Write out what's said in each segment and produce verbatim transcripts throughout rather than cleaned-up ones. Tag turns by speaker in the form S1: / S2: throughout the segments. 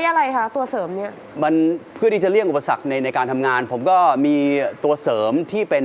S1: อะไรคะตัวเสริมเนี่ย
S2: มันเพื่อที่จะเลี่ยงอุปสรรคในในการทำงาน ผมก็มีตัวเสริมที่เป็น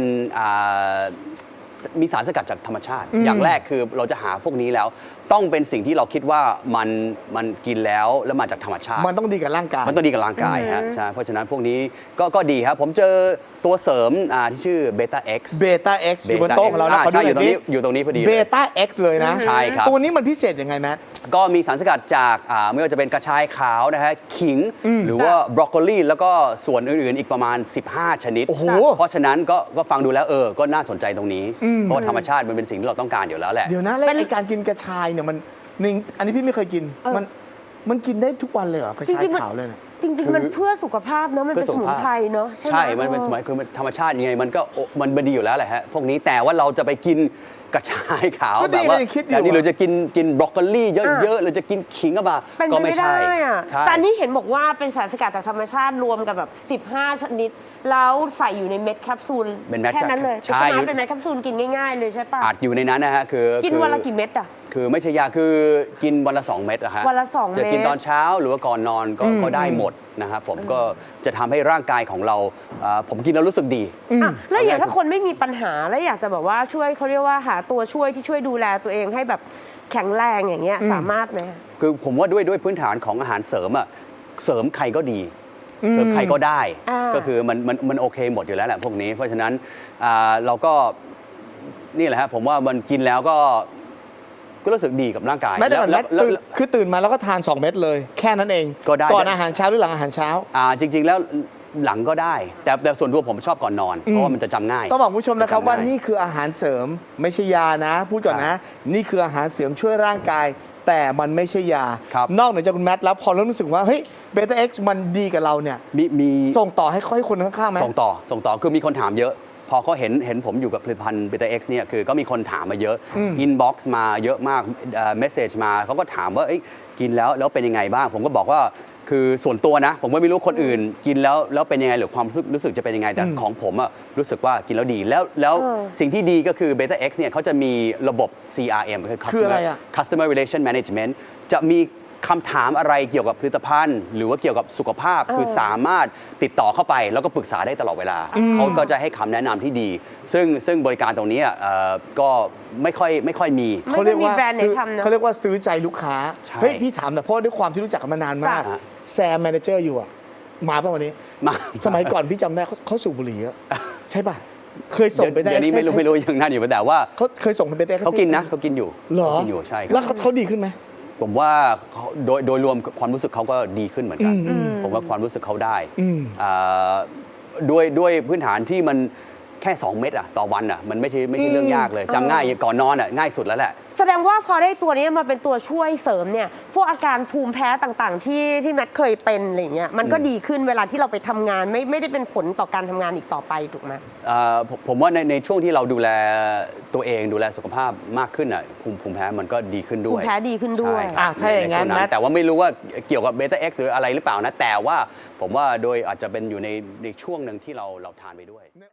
S2: มีสารสกัดจากธรรมชาติ อย่างแรกคือเราจะหาพวกนี้แล้วต้องเป็นสิ่งที่เราคิดว่ามันมันกินแล้วแล้วมาจากธรรมชาติ
S3: มันต้องดีกับร่างกาย
S2: มันต้องดีกับร่างกายฮะใช่เพราะฉะนั้นพวกนี้ก็ก็ดีครับผมเจอตัวเสริมที่ชื่อเบต้าเอ็กซ์
S3: เบต้าเอ็กซ์อยู่บนโต๊ะของเรานะ
S2: ใช่อยู่ตรงนี้อยู่ตรงนี้พอดี
S3: เบต้าเอ็กซ์เลยนะ
S2: ใช่ครับ
S3: ตัวนี้มันพิเศษยังไงแมท
S2: ก็มีสารสกัดจากไม่ว่าจะเป็นกระชายขาวนะฮะขิงหรือว่าบรอกโคลีแล้วก็ส่วนอื่นๆอีกประมาณสิบห้าชนิดเพราะฉะนั้นก็ก็ฟังดูแล้วเออก็น่าสนใจตรงนี้เพราะธรรมชาติมันเป็นสิ่งที่เราต้องการอยู่แล้วแหละ
S3: เดี๋ยวนะแล้วในการกินกระชายเนี่ยมันหนึ่งอันนี้พี่ไม่เคยกินมันมันกินได้ทุกวันเลยเหรอกระชายขาวเลยเนี่ย
S1: จริงๆมันเพื่อสุขภาพเนาะมันเป็นสมุนไพรเนาะ
S2: ใช่มันเป็นสมุนไพรคือธรรมชาติยังไงมันก็มันดีอยู่แล้วแหละฮะพวกนี้แต่ว่าเราจะไปกินกระชายขาวแบบว่าแต่นี่เราจะกินกินบรอกโคลีเยอะๆเราจะกินขิงก็มาก็ไม่ใช่
S1: แต่นี่เห็นบอกว่าเป็นสารสกัดจากธรรมชาติรวมกับแบบสิบห้าชนิดแล้วใส่อยู่ในเม็ดแคปซูลแค่นั้นเลยใช่เป็นเม็ดแคปซูลกินง่ายๆเลยใช่ปะ
S2: อัดอยู่ในนั้นนะฮะคือ
S1: กินวันละกี่เม็ดอะ
S2: คือไม่ใช่ยาคือกินวันละสองเม็ดอะฮะ
S1: วันละสองเม็ด
S2: จะกินตอนเช้าหรือว่าก่อนนอนก็ก็ได้หมดนะครับผมก็จะทำให้ร่างกายของเราผมกินแล้วรู้สึกดี
S1: แล้วอย่างถ้าคนไม่มีปัญหาแล้วอยากจะแบบว่าช่วยเขาเรียกว่าหาตัวช่วยที่ช่วยดูแลตัวเองให้แบบแข็งแรงอย่างเงี้ยสามารถไหม
S2: คือผมว่าด้วยด้วยพื้นฐานของอาหารเสริมอะเสริมใครก็ดีเสริมใครก็ได้ก็คือมันมันมันโอเคหมดอยู่แล้วแหละพวกนี้เพราะฉะนั้นเราก็นี่แหละฮะผมว่ามันกินแล้วก็ก็รู้สึกดีกับร่างกาย
S3: ไม่ได้ก่อนแล้วคือตื่นมาแล้วก็ทานสองเม็ดเลยแค่นั้นเอง
S2: ก็ได้
S3: ก่อนอาหารเช้าหรือหลังอาหารเช้า
S2: อ่าจริงๆแล้วหลังก็ได้แต่แต่ส่วนตัวผมชอบก่อนนอนเพราะว่ามันจะจำง่าย
S3: ต้องบอกผู้ชมนะครับว่านี่คืออาหารเสริมไม่ใช่ยานะพูดก่อนนะนี่คืออาหารเสริมช่วยร่างกายแต่มันไม่ใช่ยานอกเหนือจากคุณแมทแล้วพอเริ่มรู้สึกว่าเฮ้ยเบต้าเอ็กซ์มันดีกับเราเนี่ย
S2: มีมี
S3: ส่งต่อให้ให้คนข้างๆไหม
S2: ส่งต่อส่งต่อคือมีคนถามเยอะพอเขาเห็นเห็นผมอยู่กับผลิตภัณฑ์เบต้าเอ็กซ์เนี่ยคือก็มีคนถามมาเยอะอินบ็อกซ์มาเยอะมากเมสเซจมาเขาก็ถามว่ากินแล้วแล้วเป็นยังไงบ้างผมก็บอกว่าคือส่วนตัวนะผมก็ไม่รู้คนอื่นกินแล้วแล้วเป็นยังไงหรือความรู้สึกจะเป็นยังไงแต่ของผมอะรู้สึกว่ากินแล้วดีแล้วแล้วสิ่งที่ดีก็คือ เบต้าเอ็กซ์ เนี่ยเขาจะมีระบบ ซี อาร์ เอ็ม
S3: คืออะไรอะ
S2: Customer Relation Management จะมีคำถามอะไรเกี่ยวกับผลิตภัณฑ์หรือว่าเกี่ยวกับสุขภาพคือสามารถติดต่อเข้าไปแล้วก็ปรึกษาได้ตลอดเวลาเขาก็จะให้คำแนะนำที่ดีซึ่งซึ่งบริการตรงนี้ก็ไม่ค่อยไม่ค่อยมี
S3: เขาเรียกว่าเขาเรียกว่าซื้อใจลูกค้าเฮ้ยพี่ถามแต่เพราะด้วยความที่รู้จักกันมานานมากแซมแมเนเจอร์อยู่อะมาป่ะวันนี้
S2: มา
S3: สมัยก่อนพี่จำได้เขาสูบบุหรี่อะใช่ป่ะเคยส่งไปได้
S2: เดี๋ยวนี้ไม่รู้ไม่รู้ยังนั่นอยู่แต่ว่า
S3: เขาเคยส่งไปได้
S2: เขากินนะเขากินอยู่
S3: เหรอ
S2: กินอยู่ใช่
S3: แล้วเขาดีขึ้นไหม
S2: ผมว่าโดยโดยรวมความรู้สึกเขาก็ดีขึ้นเหมือนกันผมว่าความรู้สึกเขาได้ด้วยด้วยพื้นฐานที่มันแค่สองเม็ดอะต่อวันอะมันไม่ใช่ไม่ใช่เรื่องยากเลยจำง่ายก่อนนอนอะง่ายสุดแล้วแหละ
S1: แสดงว่าพอได้ตัวนี้มาเป็นตัวช่วยเสริมเนี่ยพวกอาการภูมิแพ้ต่างๆที่ที่แมทเคยเป็นอะไรเงี้ยมันก็ดีขึ้นเวลาที่เราไปทำงานไม่ไม่ได้เป็นผลต่อการทำงานอีกต่อไปถูกไหม
S2: ผมว่าในในช่วงที่เราดูแลตัวเองดูแลสุขภาพมากขึ้นอ่ะภูมิภูมิแพ้มันก็ดีขึ้นด้วย
S1: ภูมิแพ้ดีขึ้นด้วย
S3: อ่ะถ้าอย่างนั้นนะ
S2: แต่ว่าไม่รู้ว่าเกี่ยวกับเบต้าเอ็กซ์หรืออะไรหรือเปล่านะแต่ว่าผมว่าโดยอาจจะเป็นอยู่ในในช่วงหนึ่งที่เราเราทานไปด้วย